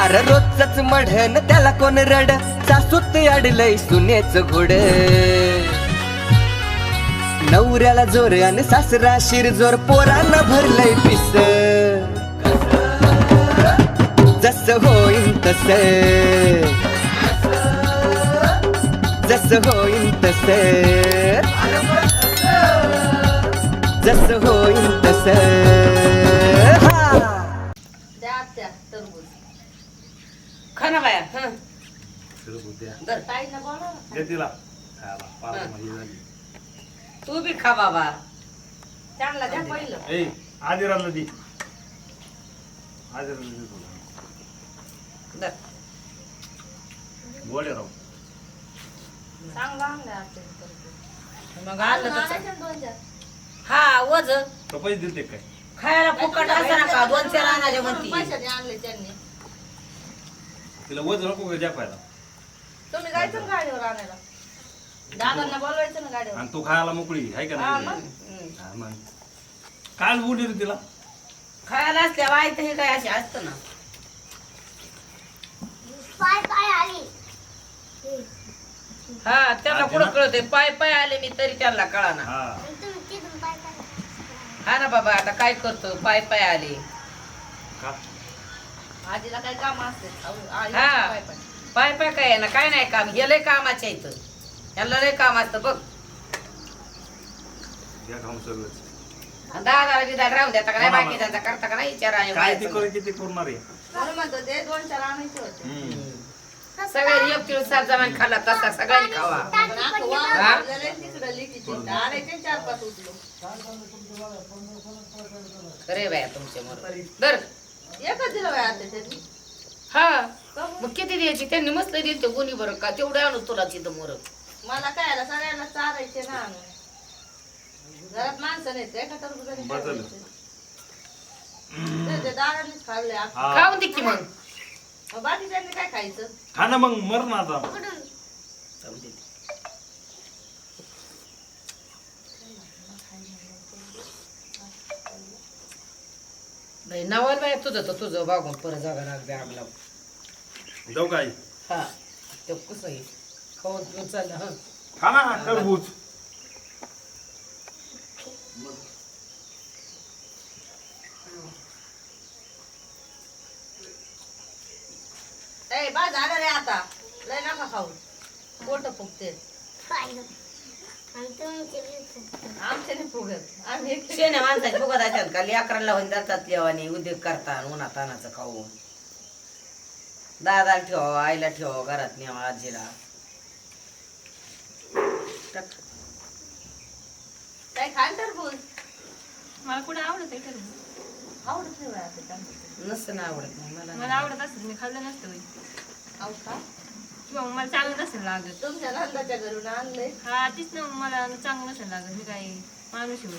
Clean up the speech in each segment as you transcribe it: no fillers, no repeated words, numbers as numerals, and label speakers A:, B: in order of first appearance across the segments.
A: अरे रोजच मढन त्याला कोण रड सासूत अडलय सुनेच घोड नवऱ्याला जोर आणि सासरा शिरजोर पोरांना भरलंय पिस जस होईन तस जस होईन तस जस होईन तस
B: खाना बाया तू बी खा बाबा
C: चांगला द्या पहिलं
D: आदिराला दे आदिराला दे तुला
B: दर.
D: गोळे राव
C: चांगला आणला
B: मग आणलं तर हा वज
D: तो पैसे दिलते काय
B: खायला फुकट असं नका 2-4 आणायचे म्हणती
C: पैशाने आणले त्यांनी
D: तिला वज नको का जपायला
C: तुम्ही जायचं ना गाडीवर आणायला दादांना बोलवायचं ना गाडीवर
D: आणि तू खायला मोकळी आहे का नाही हा, मग काल बोलली रे तिला
B: खायला असल्या वाईट हे काय असे असतं ना हा त्याला कुठं कळतंय पाय पाय आले मी तरी त्याला कळाना
D: हा
B: हा ना बाबा आता काय करतो पाय पाय आले
D: का
C: आजीला काय काम असते
B: हा पाय पाय काय आहे ना काय नाही काम हे लय कामाच्या इथं यांना लय काम असतं बघ
D: घ्या खाऊन सगळंच
B: दादाला बिदा राहून देता का नाही बाकीच्यांचा करता का नाही विचारा
D: काय ते करू किती करणार आहे
C: म्हणून म्हणतो ते 2-4 आणायचे होते
B: सगळ्यांनी एक किलो सात जमान खाल्ला तसा सगळ्यांनी खावा
C: पण आखो वावरलेलं आहे तिकडं लिकीचे आणायचे 4-5 उचलो
B: खरे बाया तुमचे मर दर
C: एकच दिलं बाय आता त्यांनी
B: हा मग किती द्यायची त्यांनी मस्त दिली ते गुन्ही बरं का तेवढे आणू तुला तिथं मोर
C: मला काय आला सगळ्यांना चारायचे ना आणून घरात माणसं नाही ते एका टरबुजाने
D: बदल.
C: ते दारानेच खाल्ले
D: हा.
B: खाऊन दे की मग
C: मग बाकीच्यांनी काय खायचं
D: खा ना मग मर ना आता
B: जाऊ दे. नाही नावाल बाय तुझं तर तुझं बागून परत जागा लागते आग लावून
D: जाऊ काय
B: हा ते कसं आहे खाऊन पिऊन चाललं हा
D: खा ना टरबूज
C: ए बा झालं रे आता लय नका खाऊ पोट फुगते आमच्या नाही फुगत आम्ही एकटे-
B: शेण्या माणसाची बघत असतात का लेकरांना होईन जातात लेवानी उद्योग करतात उन्हा तानाचं खाऊन दादाला ठेवा आईला ठेवा घरात न्यावा आजीला टाक.
C: काय खाल टरबूज
E: मला कुठे आवडत आहे टरबूज
C: आवडत नाही बाया ते टरबूज.
B: नसतं ना आवडत नाही मला
E: मला आवडत असेल मी खाल्लं नसतं बाई.
C: खाऊ का
E: किंवा मग मला चांगलं नसेल लागत
C: तुमच्या नंदाच्या घरून आणलंय
E: हा तीच ना मला चांगलं नसेल लागत मी काय माणूस आहे बाई.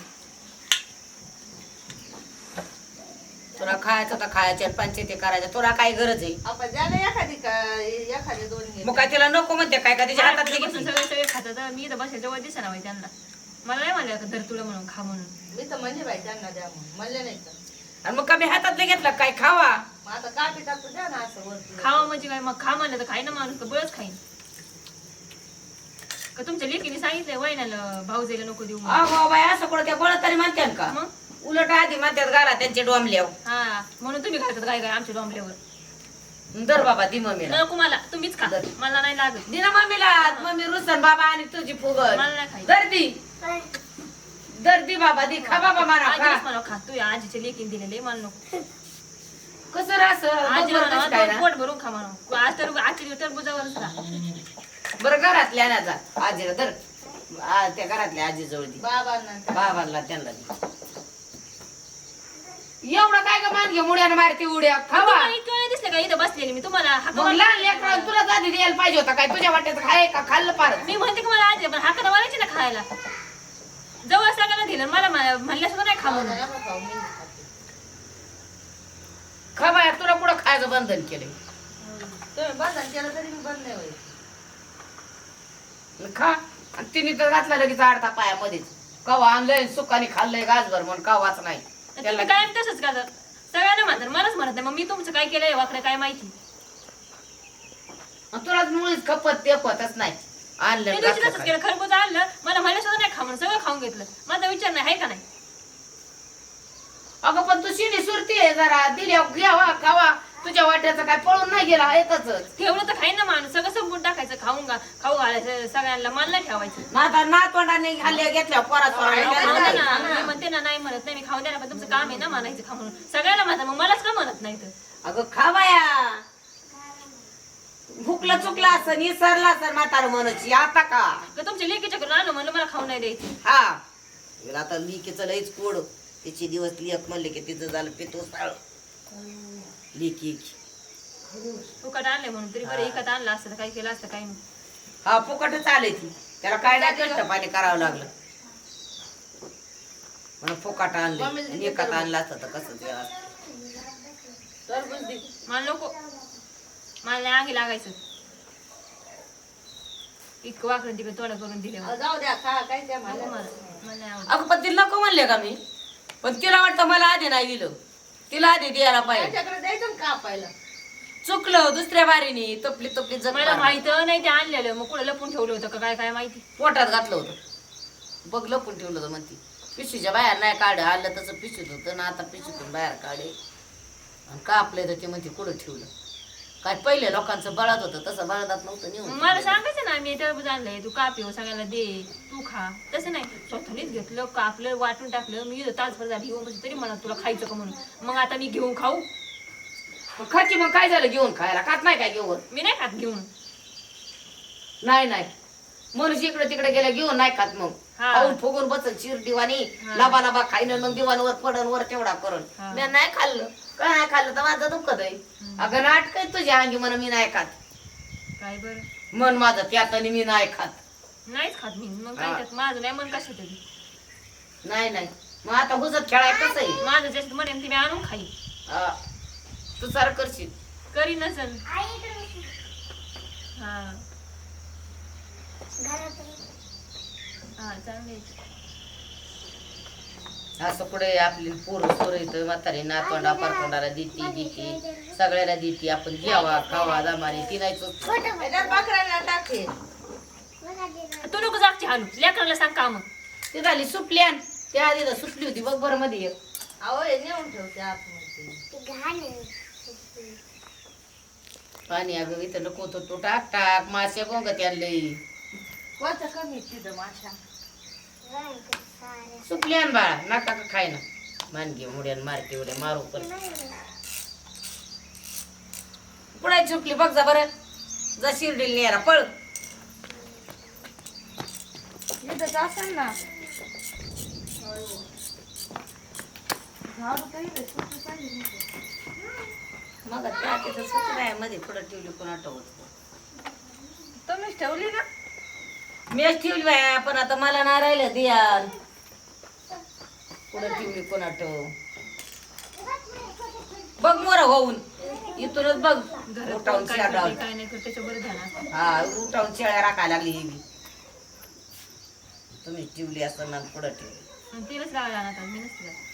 B: तुला खायचं तर खायच्या पंचायती करायच्या तुला काय गरज आहे
C: आपण ज्याला एखादी 2 घे
B: मग काय तिला नको म्हणते काय का तिच्या हातातली
E: बसून
B: घेतली
E: सगळे सगळे खातात मी इथं बसायच्या जवळ दिसा ना बाई त्यांना मला नाही म्हणलं का धर तुला म्हणून खा म्हणून
C: मी तर म्हणजे बाई त्यांना द्या म्हणून म्हणले नाही तर
B: आणि मग कमी हातातलं घेतलं काय खावा
C: मग आता कापी टाकतो द्या ना असं वरती
E: खावा म्हणजे काय मग खा म्हणलं तर खाई ना माणूस का बळच खाईन का तुमच्या लेकीने सांगितलंय वहिन्याला भाऊजेला नको देऊ म्हणून.
B: अहो बाय असं कुठं त्या बळ तरी म्हणते का
E: मग
B: उलट आधी म्हणतात घाला त्यांचे डोंबल्याव
E: हा म्हणून तुम्ही घालतात काय काय आमच्या डोंबल्यावर
B: दर बाबा दी मम्मीला
E: नको मला तुम्हीच खा मला नाही लागत
B: दिना मम्मीला मम्मी रुसन बाबा आणि तुझी फुगत
E: मला नाही खायचं.
B: दर्दी बाबा दी खा बाबा मला खा
E: आजीच मला खा तू आजीच्या लेकीने दिलेले मला नको
B: कसं राहस
E: आजी म्हणा पोट भरून खा म्हणा आज तर आजच्या दिवस टरबुजावरच खा
B: बरं घरातल्या ना जा आजीला दर त्या घरातल्या आजी जवळ दी
C: बाबांना
B: बाबांना त्यांना दी एवढं काय का मान घे मुड्यानं मारती उड्या खावा
E: तुम्हाला इतकं नाही दिसलं का इथं बसलेली मी तुम्हाला हाका
B: मग लहान लेकराला तुला आधी द्यायला पाहिजे होता काय तुझ्या वाट्यात खाय का खाल्लं पार
E: मी म्हणते की मला आजी पण हाका मारायची ना खायला जवळ सगळ्यांना दिलं मला म्हणल्या सुद्धा नाही खा म्हणून
C: नका खाऊ मी खाते.
B: खा बाया तुला पुढं खायचं बंधन केलंय
C: तुम्ही बंधन केलं तरी मी बंद नाही होईल
B: खा आणि तिने तर घातला लगेच आडता पायामध्येच कवा आणलंय सुखाने खाल्लंय गाजभर म्हणून कावाच नाही
E: तुम्ही कायम तसंच का सगळ्यांना म्हणतात मलाच म्हणत नाही मग मी तुमचं काय केलंय वाकडं काय माहिती
B: आणि तुला मुळीच खपत तेपतच नाही आणलं
E: ते दिवशी तसंच केलं, खरबूज आणलं मला म्हणलं सुद्धा नाही खा म्हणून सगळं खाऊन घेतलं. माझा विचार नाही आहे का नाही.
B: अगं पण तू शिनी सुरती आहे जरा दिल्या घ्यावा खावा तुझ्या वाट्याचं काय पळून नाही गेला एकच
E: ठेवलं तर खाईन ना माणूस, सगळं संपून टाकायचं, खाऊ घालायचं सगळ्यांना, मला नाही ठेवायचं.
C: आता नातवंडाने खाल्ल्या घेतल्या पोरात
E: खाऊ द्या ना, मी म्हणते ना नाही म्हणत नाही, मी खाऊ द्या ना, पण तुमचं काम आहे ना म्हणायचं खा म्हणून. सगळ्याला म्हणता मग मलाच का म्हणत नाही तर.
C: अगं खावाया भुकलं चुकलं असं निसरला सर म्हातार म्हणायची आता का
E: तुमच्या लेकीच्या करून आणलं म्हणलं मला खाऊ नाही द्यायचं.
C: हा तिला आता लिकीचं लईच कोड तिचे दिवस लेख म्हणले की तिचं झालं पितो साळ लिकी
E: फुकट आणले म्हणून तरी बरं इकत आणलं असतं तर काय केलं असतं काही नाही.
C: हा फुकटच आले ती त्याला काय नाही कष्ट पाणी करावं लागलं म्हणून फुकट आणलं आणि एकात आणलं असतं तर कसं ते असतं.
E: मला नको, मला नाही आगी लागायचं. इतकं वाकडं तिकडे तोडा करून दिले मला.
C: जाऊ द्या खा काय त्या
E: नको मला नाही आवडत.
C: अगं पण तिला नको म्हणले का मी, पण तिला वाटतं मला आधी नाही दिलं, तिला आधी द्यायला पाहिजे.
B: द्यायचं का पाहिलं
C: चुकलं दुसऱ्या बारीने तपली तपली
E: मला माहित नाही ते आणलेलं, मग कुठे लपून ठेवलं होतं का काय काय माहिती.
C: पोटात घातलं होतं बघ लपून ठेवलं होतं म्हणती. पिशवीच्या बाहेर नाही काढ आलं तसं पिशवीत होतं ना, आता पिशवीतून बाहेर काढे आणि कापलं तर ते म्हणते कुठं ठेवलं. काय पहिले लोकांचं बळत होतं तसं बळदात नव्हतं नेऊन.
E: मग मला सांगायचं ना मी टरबूज आणलंय, तू कापी सगळ्यांना दे, तू खा. तसं नाही, स्वतःनीच घेतलं, कापलं, वाटून टाकलं. मी तासभर झाली येऊन बसली तरी म्हणा तुला खायचं का म्हणून. मग आता मी घेऊन खाऊ?
B: खाची मग काय झालं घेऊन खायला खात नाही काय घेऊन.
E: मी नाही खात घेऊन.
B: नाही नाही मनुष्य इकडे तिकडे गेल्या घेऊन नाही खात मग
E: हा.
B: खाऊन फुगून बसल चिर दिवाणी
E: हा.
B: लाबा लाबा खाईन मग दिवाणवर पडन वर तेवढा करून
E: हा.
B: मी नाही खाल्लं काय नाही खाल्लं तर माझं दुखत आहे. अगं नाटक आहे तुझ्या अंगी म्हण मी नाही खात
E: काय बरं
B: मन माझं त्यात आणि मी नाही खात.
E: नाहीच खात मी. मग काय
B: हा.
E: त्यात माझं नाही मन कशात तरी.
B: नाही नाही मग आता हुजत खेळाय कसं आहे.
E: माझं जास्त म्हणेन ती मी आणून खाई.
B: हा. तू सारं करशील
E: करी नसन. हा हा चांगले.
B: असं पुढे आपली पोरं सोर येतं म्हातारी नातवंडा परतोंडाला देती सगळ्याला देती आपण घ्यावा खावा दमाने ती नाही टाकते.
E: तू नको जागची हालू, लेकराला सांग काम.
B: ती झाली सुपली आण त्या आधी तर सुटली होती बघ बरं मध्ये
C: नेऊन ठेवते आतमध्ये.
B: पाणी अगं इथं नको होतं तू टाक टाक मासे गोंगत आणले
C: कोणतं कमी तिथं माशा
B: सुपली आण बाळा नका का खाय ना मानगी मुड्यान मारते उड्या मारू पण
C: पुढे चुकली बघ जा बरं जा शिर्डील नेरा पळ.
E: असेल ना
C: मग त्या तिथं सुचरायामध्ये पुढे ठेवली कोण आठवत
E: तुम्हीच ठेवली ना.
C: मीच ठेवली बाया पण आता मला नाही राहिलं दियान पुढे ठेवली कोण आठव बघ मोर होऊन इथूनच बघ उठावून
E: काय
C: शेळ्या
E: करते, काय नाही करते त्याच्यावर ध्यान असतं.
C: हा उठावून शेळ्या राखायला लागली ही बी. तुम्ही ठेवली असं ना पुढे ठेवली
E: आणि तिलाच लावायला आणत मी नसते जात.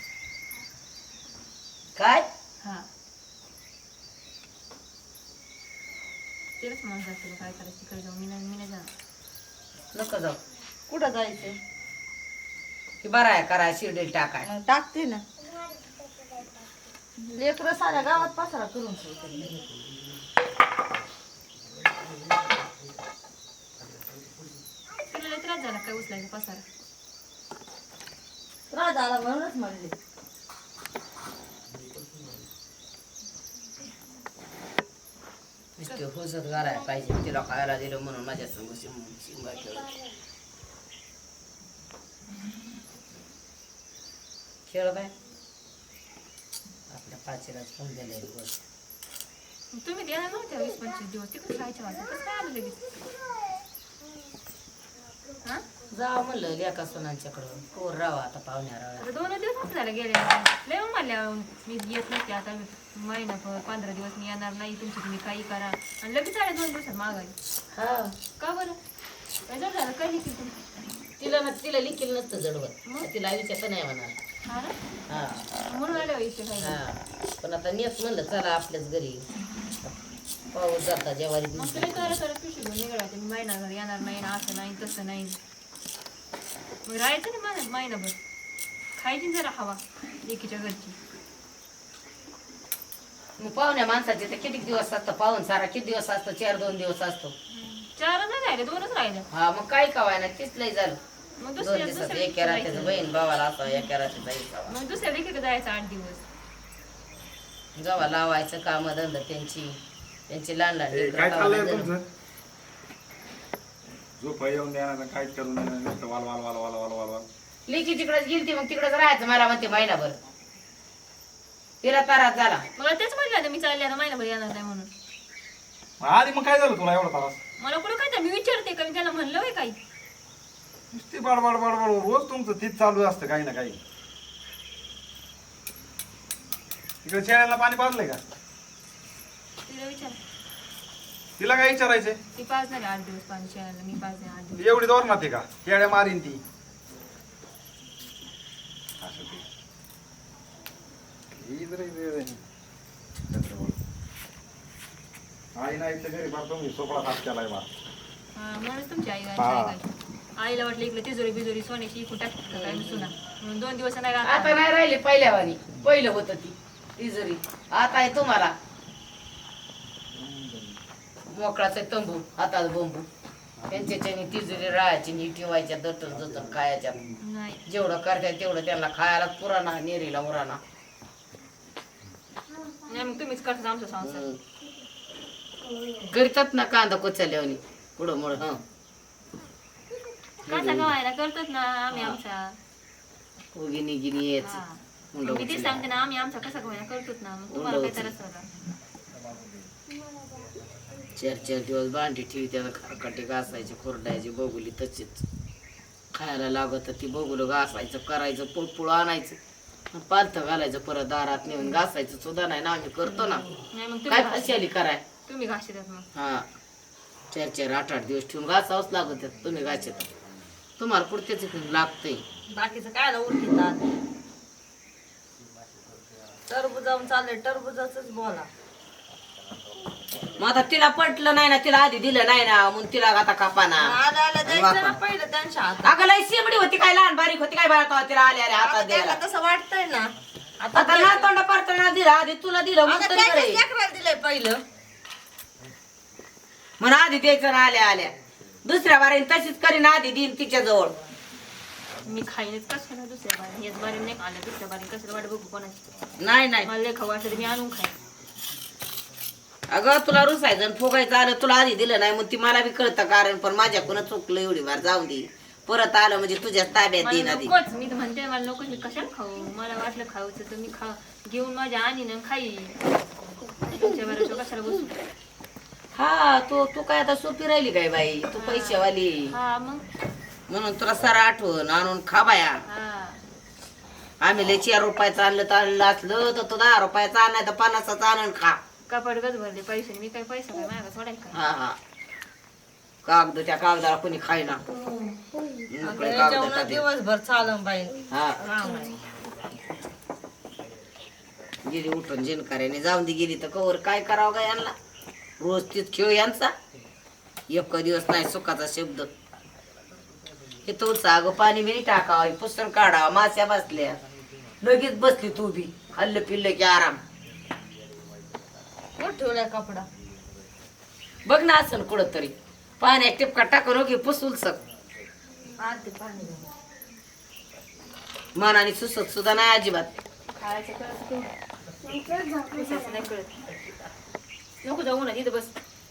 C: काय
E: हा तिलाच म्हणून जाते काय करायचं तिकडे जाऊन. मी नाही जाणार.
C: नको जाऊ
F: कुठं जायचं
C: की बरं आहे करा शिर्डील टाकाय
F: टाकते ना लेकरं साऱ्या गावात पसारा करून ठेवते.
E: तिला लय त्रास झाला काय उचलायचा पसारा.
F: त्रास झाला म्हणूनच म्हणले
C: नुसते हुसत घालायला पाहिजे तिला खायला दिलं म्हणून माझ्या संग शिंगा खेळ खेळ बाय आपल्या पाचीलाच फोन दिले दिवस
E: तुम्ही देणार नव्हत्या 20-25 दिवस तिकडे राहायच्या वाटत कसं काय आलं लगेच. हा
C: जावं म्हणलं लेका सोनांच्याकडं पोर राहा आता पाहुण्याला
E: आता 2 दिवस झाले गेले. लय म्हणल्या मी येत नसते आता महिना 15 दिवस मी येणार नाही तुमची तुम्ही काही करा आणि लगेच आले 2 दिवसात मागायला.
C: हा
E: का बरं काय जड झालं काय लिखील तुम्ही.
C: तिला लिखील नसतं जडवत तिला विचारत नाही म्हणा.
E: हा ना
C: हा
E: म्हणून आले इथे काही.
C: हा पण आता नेस म्हणलं चला आपल्याच घरी पाऊस जाता जेवारी
E: मग तुला तर पिशवी घेऊन निघायचं मी महिनाभर येणार नाही ना असं नाही तसं नाही मग राहायचं ना महिनाभर खायची ना जरा हवा लेकीच्या घरची
C: मग पाहुण्या माणसाचे तर किती दिवस असतं पाहून सारा किती दिवस असतो 4-2 दिवस असतो
E: 4 नाही राहिले 2च राहिले
C: हा मग काय कवाय ना तीच लय झालं
E: मग
C: 2
E: दुसऱ्या
C: दिवसात
E: दुसऱ्या
C: एका रात्रीचं बहीण भावाला असावं एका रात्रीचा असावा
E: मग दुसऱ्या लेकीकडे जायचं 8 दिवस
C: जेव्हा लावायचं काम धंदा त्यांची लहान लहान
D: ए,
C: लेकरं
D: काय चाललंय
C: गावाला
D: तुमचं झोप येऊन देणार ना काय करून देणार नुसतं वाल वाल वाल वाल वाल वाल वाल
C: लेकी तिकडेच गेलती मग तिकडेच राहायचं मला म्हणते महिनाभर तिला तारात झाला
E: मला तेच म्हटलं मी चालले आता महिनाभर येणार नाही म्हणून
D: आधी मग काय झालं तुला एवढा त्रास
E: मला कुठं काय तर मी विचारते का मी त्याला म्हणलं होय काही
D: नुसती बाडबाड बाडबाड रोज तुमचं तीच चालू असतं काही ना काही तिकडे शेळ्यांना पाणी पाजलंय का
E: तिला विचार
D: तिला काय विचारायचंय
E: ती पाच झाले 8 दिवस पाणी शेणाला मी पाच नाही 8 दिवस
D: एवढी दोर ना ते का केड्या मारीन ती असं ते. ही जरा वेळ आहे. आई नाही तर घरी बा तुम्ही सोपळा हात केलाय बा
E: हा म्हणूनच तुमची आई
D: हा.
E: काय आईला वाटलं इकडे तिजोरी बिजोरी सोन्याची इकून टाकत काय मी सुना म्हणून 2 दिवस नाही
C: आता
E: राहत
C: नाही राहिली पहिल्यावानी पहिलं होतं ती तिजोरी आता आहे तुम्हाला मोकळाचा तंबू हातात बंबू त्यांच्याच्याने तिजोरी राहायची नी ठेवायच्या दटल दटल खायच्या
E: नाही
C: जेवढं करताय तेवढं त्यांना खायला पुराणा नेरीला उराणा
E: नाही मग तुम्हीच करता आमचा संसार
C: करतात ना कांदा कोचल्यावानी पुढं मुळ हं
E: कसा गवायला करतात ना आम्ही आमचा
C: उगिनी गिनी यायचं
E: हा.
C: मुंडं
E: मी ते
C: उचलायचं.
E: सांगते ना आम्ही आमचा कसा गवायला करतोच ना मग तुम्हाला काय त्रास होता
C: 4 दिवस भांडी ठेवी त्याला खरकाटे घासायचे खुरडायचे बघुली तशीच खायला लागत ती बघुलं घासायचं करायचं पोळपोळ आणायचं पालथ घालायचं परत दारात नेऊन घासायचं सुद्धा नाही ना आम्ही करतो ना
E: नाही मग
C: काय
E: तुम्ही
C: फशाली कराय
E: तुम्ही घासतात मग
C: हा 4-8 दिवस ठेवून घासावंच लागत तुम्ही घासत तुम्हाला पुढच्याच लागतंय
F: बाकीचं काय उरकितात टरबुजावून चाललंय टरबुजाच बोला
C: मग आता तिला पटलं नाही ना तिला आधी दिलं नाही ना म्हणून तिला आता कापाना
F: आल्या आल्या द्यायचं ना पहिलं त्यांच्या हातात
C: अगं लय शिमडी होती काय लहान बारीक होती काय बाळा तिला आल्या आल्या हातात
F: आता
C: द्यायला
F: त्यांना तसं वाटतंय ना आता
C: आता ना तोंडा पारताना दिला आधी तुला दिलं म्हणून तरी
F: त्यांच्याच
C: बरं.
F: लेकराला दिलंय पहिलं
C: म्हणून आधी द्यायचं ना आल्या आल्या दुसऱ्या बारीने तशीच करीन आधी देईन तिच्या जवळ
E: मी खाईनच कशाला दुसऱ्या बारी याच बारी नाही खाल्लं दुसऱ्या बारी कसं वाट बघू कोणाची
C: नाही नाही
E: मला लय खाऊ वाटलं तर मी आणून खाईन
C: अगं तुला रुसायचं आणि फुगायचं आलं तुला आधी दिलं नाही मग ती मला बी कळतं कारण पण माझ्याकडून चुकलं एवढी बार जाऊ दे परत आलं म्हणजे तुझ्याच ताब्यात देईन
E: मला
C: आधी
E: नकोच मी तर म्हणते मला नकोच मी कशाला खाऊ मला वाटलं खाऊचं तर मी घेऊन माझ्या आणीन खाई तुमच्या बरोबर कशाला बसू
C: हा तू काय आता सोपी राहिली काय बाई तू पैशावाली
E: हा मग
C: म्हणून तुला सारा आठवण आणून खा बाया
E: हा
C: आम्ही लय 4 रुपयाचं आणलं असलं तर तू 10 रुपयाचं आणाय तर 50चं आणून खा
E: कपाट गज भरले पैसे मी काय पैसा काय माझ्या सोडायला काय
C: हा हा कागद त्या कागदाला कोणी खायना मोकळे कागद
F: जेवण
C: टाकले.
F: दिवसभर चालून बाई
C: हा
F: राम आहे.
C: गेली उठून जिनकार्याने जाऊन दे गेली तर कवर काय करावं का यांना रोज तीच खेळ यांचा एक दिवस नाही सुखाचा शब्द हे तोच अगं पाणी बिनी टाकावं पुस्तक काढावं माश्या बसल्या लगेच बसली तू बी खाल्लं पिल्लं की आराम
F: कुठं ठेवलाय कपडा
C: बघ ना असं कुठं तरी पाण्यात टिपका टाकून हो की पुसूल सक
F: आते पाणी घेऊन.
C: मनाने सुसत सुद्धा नाही अजिबात
E: खायचं कळत पुसायचं नाही कळत नको जाऊ ना तिथं बस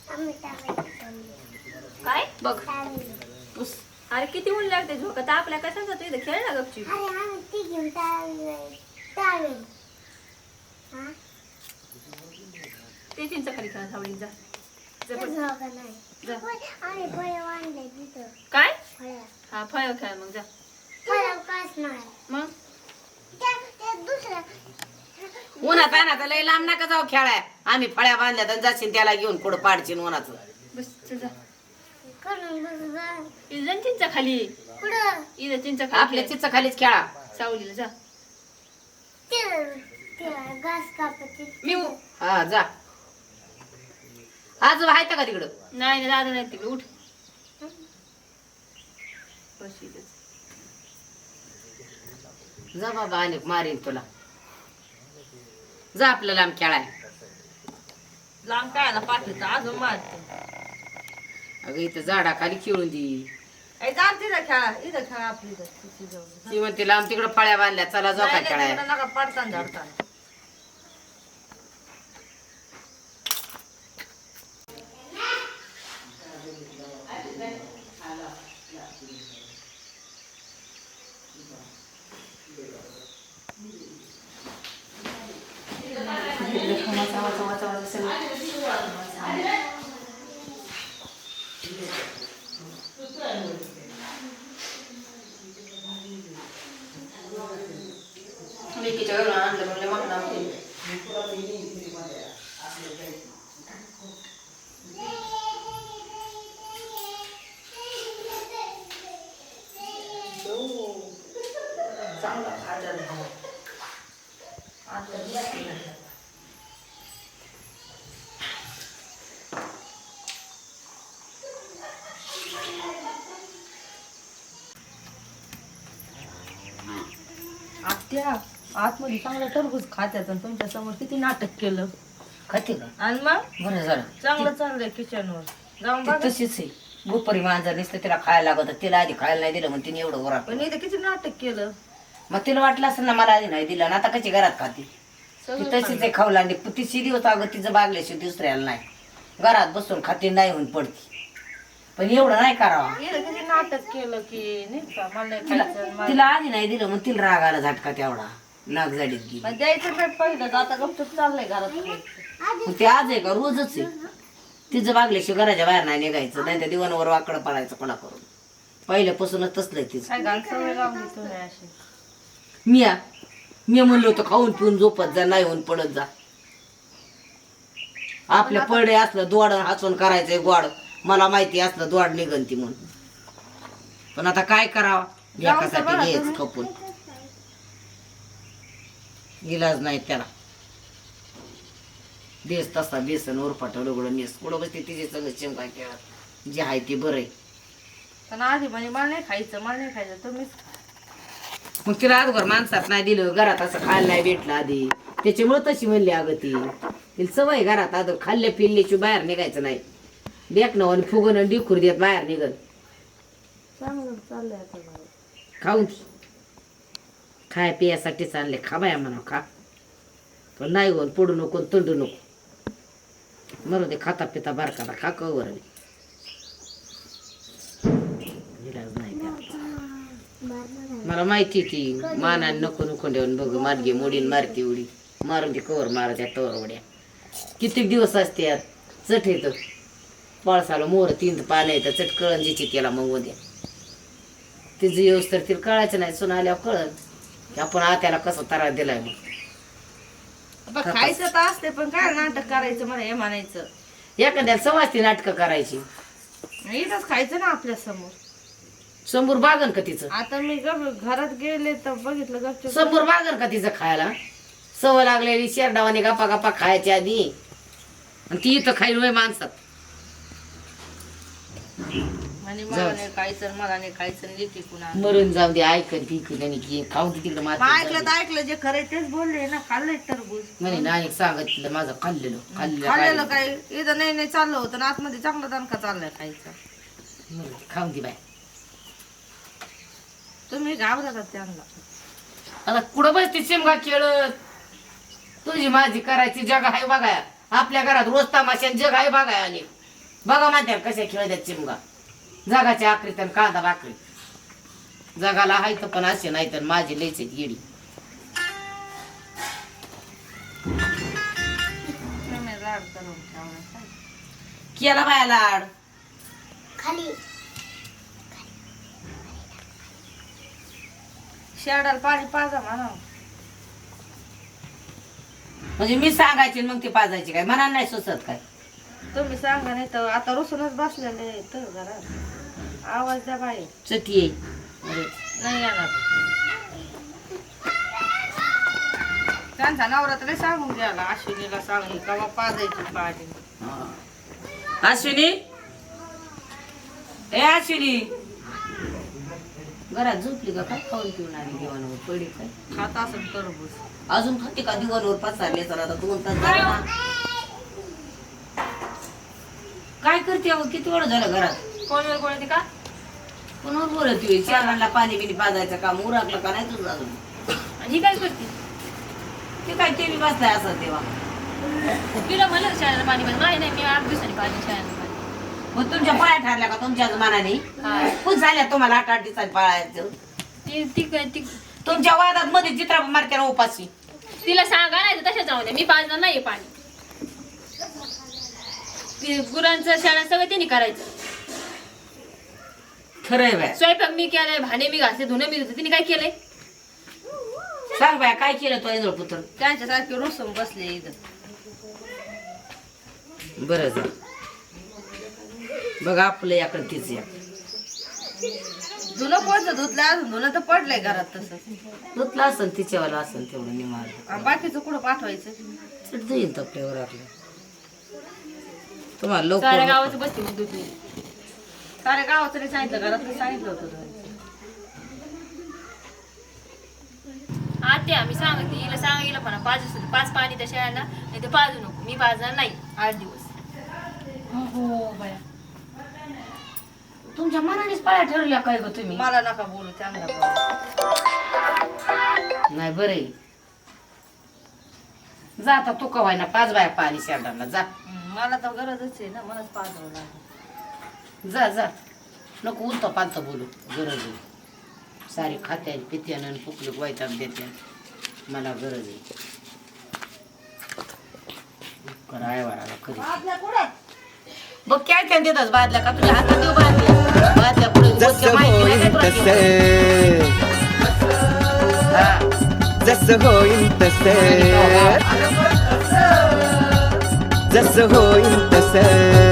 E: काय
C: बघ पुस
E: अरे किती ऊन लागते झोका तर आपल्या कशाला जातो इथं खेळ ना गपची ते चिंचा खाली खेळा सावळी जा जा बस. जा. काय हा फळ खेळ मग जा मग
C: उन्हात आणा लय लांब नका जाऊ खेळाय आम्ही फळ्या बांधल्या तर जाशील त्याला घेऊन कुठं पाडशील उन्हाचं
E: बस चल जा इथं चिंचा खाली इथं चिंचा खाली
C: आपल्या चिच खालीच खेळा
E: सावलीला जा मी
C: हा जा आज आहे का तिकडं?
E: नाही दादा नाही तिकडे उठ.
C: जा बाबा आणि मारीन तुला. जा आपलं लांब खेळाय.
F: लांब कायला पाठवतो अजून मारते.
C: अगं इथं झाडाखाली खेळून दे.
F: तिथं खेळा इथं खेळा आपली
C: ती म्हणते लांब तिकडं फळ्या बांधल्या चला जाऊ का खेळाय.
F: नका पडताना झाडताना.
C: विकीच्या घरून आणलं म्हणलं मग नाव केलं.
F: आत्या आतमध्ये चांगलं टरबूज खात्यात आणि तुमच्या समोर किती नाटक केलं.
C: खाते का?
F: आणि मग
C: बरं झालं.
F: चांगलं चाललंय किचनवर जाऊन
C: ती
F: बघा.
C: तशीच आहे. गोपरी मांजर नुसतं तिला खायला लागत तिला आधी खायला नाही दिलं मग तिने एवढं ओरा.
F: पण इथे किती नाटक केलं.
C: मग तिला वाटलं असं ना मला आधी नाही दिलं आणि आता कशी घरात खाते. ती तशीच आहे खाऊ लागली. तिची दिवस अगं तिचं बागल्याशिवाय दुसऱ्याला नाही. घरात बसून खाते नाही होऊन पडते. पण एवढं नाही करावा.
F: इथे किती नाटक केलं की नाही का मला नाही खायचं मला-
C: तिला आधी नाही दिलं मग तिला राग आला झटका तेवढा. नाक झाडीत गेली.
F: मग द्यायचं पेट पहिलं आता गपचूप चाललंय घरात.
C: मग ते आज आहे का रोजच आहे. तिचं बागल्याशिवाय घराच्या बाहेर नाही निघायचं नाही तर दिवाणवर वाकडं पडायचं कोणा करून. पहिल्यापासूनच तसलंय तिचं.
F: काय घाल सवय लावली तुम्ही अशी.
C: मी म्हणलो होतं खाऊन पिऊन झोपत जा नाही होऊन पडत जा. आपल्या पडे असलं दोड हसून करायचंय गोड. मला माहिती असलं दोड निघन ती म्हणून. पण आता काय करावं एकासाठी घ्यायच खपून. इलाज नाही त्याला. बेस तसा बेसन उरफाटं उघडून नेस कुठं बसते तिचे सगळं चिमका खेळत. जे आहे ते बरं आहे.
F: पण आधी म्हणजे मला नाही खायचं तुम्हीच.
C: मग तिला अगोदर माणसात नाही दिलं घरात असं खायला नाही भेटलं आधी त्याच्यामुळे तशी म्हणली अगं ती. तिला सवय घरात अगोदर खाल्ल्या पिल्ल्याची बाहेर निघायचं नाही. बेकणं आणि फुगन आणि डिखूर देत बाहेर निघत.
F: चांगलं चाललंय आता घरात.
C: खाऊन खाय पियासाठी चालले खा बाया म्हणा खा. पण नाही होऊन पडू नको आणि तंडू नको. मरू दे खाता पिता बारकाला खा कवर इलाज नाही त्याला. मला माहिती ती मानाने नको नको देऊन बघ मार्गे मोडीन मारती उडी मारून ती कवर मारत्या तवर उड्या. कित्येक दिवस असते यात चट येतं. पाळसाला मोर 3 पानं येतं चट कळण जिची त्याला मग उद्या. तिचं येऊस तर तिला कळायचं नाही. सुन आल्यावर कळण की आपण आत्याला कसं तारा दिलाय. मग
F: खायचं तर असते पण काय नाटक करायचं मला हे म्हणायचं.
C: एखाद्याला समाजती नाटकं करायची.
F: इथंच खायचं ना आपल्या समोर.
C: समोर बागन का तिचं.
F: आता मी घरात गेले तर बघितलं गपचूप.
C: समोर बागन का तिचं खायला. सवय लागलेली शेरडावाने गप्पा गप्पा खायच्या आधी आणि ती इथं खाईल वय माणसात.
F: म्हणजे मला नाही खायचं मला नाही खायचं लिहिते पुन्हा.
C: मरून जाऊ दे ऐकत बिकत आणि की खाऊन ती तिकडे
F: मग ऐकलं तर ऐकलं जे खरं तेच बोलले ना. खाल्लंय टरबूज
C: म्हणे नाणी सांगत तिला माझं खाल्लेलं
F: खाल्लेलं काय इथं नाही चाललं होतं ना आतमध्ये चांगला दणका चाललाय खायचा.
C: खाऊन ती बाय.
F: तुम्ही घाबरतात त्यांना.
C: आता कुठं बसते शिमगा खेळत. तुझी माझी करायची जग आहे बघाया. आपल्या घरात रोज तमाशात जग आहे बघाया. आणि बघा म्हणत्या कशा खेळतात चिमगा. जगाच्या आखरीत आणि कांदा भाकरी. जगाला हाय तर पण असे नाही तर माझी लयच येडी.
F: तुम्ही लाड करून ठेवणार.
C: केला बाया लाड.
F: शेडाला पाणी पाजा म्हणा.
C: म्हणजे मी सांगायची मग ती पाजायची काय मनाला नाही सुचत काय.
F: तुम्ही सांगा नाही तर आता रुसूनच बसलेले तर घरात. आवाज द्या बाई.
C: चटी येईल.
F: नाही येणार. त्यांचा नवरा तर सांगून गेला अश्विनीला सांगून कवा पाजायची पाणी.
C: अश्विनी ए अश्विनी घरात झोपली का काय खाऊन पिऊन आली दिवाणावर पडी काय
F: खात असेल टरबूज.
C: अजून खाते का दिवाणावर पसरले तर आता 2 तास झाले ना. काय करते अहो किती वेळ झालं घरात
E: फोनवर बोलते का
C: कोणावर बोलत चेअरमॅनला पाणी बिनी पाजायचं काम उरकलं का नाही तुझं अजून
E: आणि ही काय करते
C: ते काय टीव्ही बसलाय असं तेव्हा
E: तिला म्हणलं शाळेला पाणी पाहिजे नाही नाही मी 8 दिवसांनी पाहिजे शाळेला पाणी
C: मग तुमच्या पाया ठरल्या का तुमच्याच मनाने खूप झाल्या तुम्हाला 8 दिवसांनी पाळायचं
E: ती ती काय ती
C: तुमच्या वादात मध्ये चित्रा मारते ना उपाशी
E: तिला सांगा नाही तर तशाच राहू दे मी पाजणार नाही पाणी ते गुरांचं शाळा सगळं त्यांनी करायचं
C: खरंय बाय
E: स्वयंपाक मी केलाय भांडे मी घासले धुणं मी धुते तिने काय केलंय
C: सांग बाय काय केलं तो इजळ पुत्र
F: त्यांच्यासारखे रुसून बसले इथं.
C: बरं जा बघा आपलं याकडे तीच या
F: धुणं कोणतं धुतलं अजून धुणं तर पडलंय घरात तसं.
C: धुतलं असेल तिच्यावाला असेल तेवढं निमार
F: आणि बाकीचं कुठं पाठवायचं.
C: चढ येईल तपल्यावर आपलं तुम्हाला
E: साऱ्या
C: लवकर
E: गावाचं बसते मग धुतली
F: साऱ्या गावाचं नाही सांगितलं घरात सांगितलं होतं धुवायचं.
E: आत्या मी सांगते हिला सांगा गेलं पण 5 पाणी त्या शाळेला नाही तर पाजू नको मी पाजणार नाही 8 दिवस
C: हो बाया तुमच्या मनानेच पाया ठरल्या काय ग तुम्ही
F: मला नका बोलू चांगला बोलू.
C: नाही बरं आहे. जा आता तू कवाय ना 5 बाया पाणी शेरडाला जा
F: मला तर गरजच आहे ना मलाच पाजवं लागेल.
C: जा जा नको उलत पालत बोलू गरज आहे सारी खात्या पित्यानं फुकलं वैताग देत्या मला गरज आहे कराय वाराला कधी बघ काय काय देतात बादल्या का तुझ्या हातात देऊ बादल्या बादल्या पुढे
A: जसं होईल तसे जसं होईल तसे जसं होईल तसे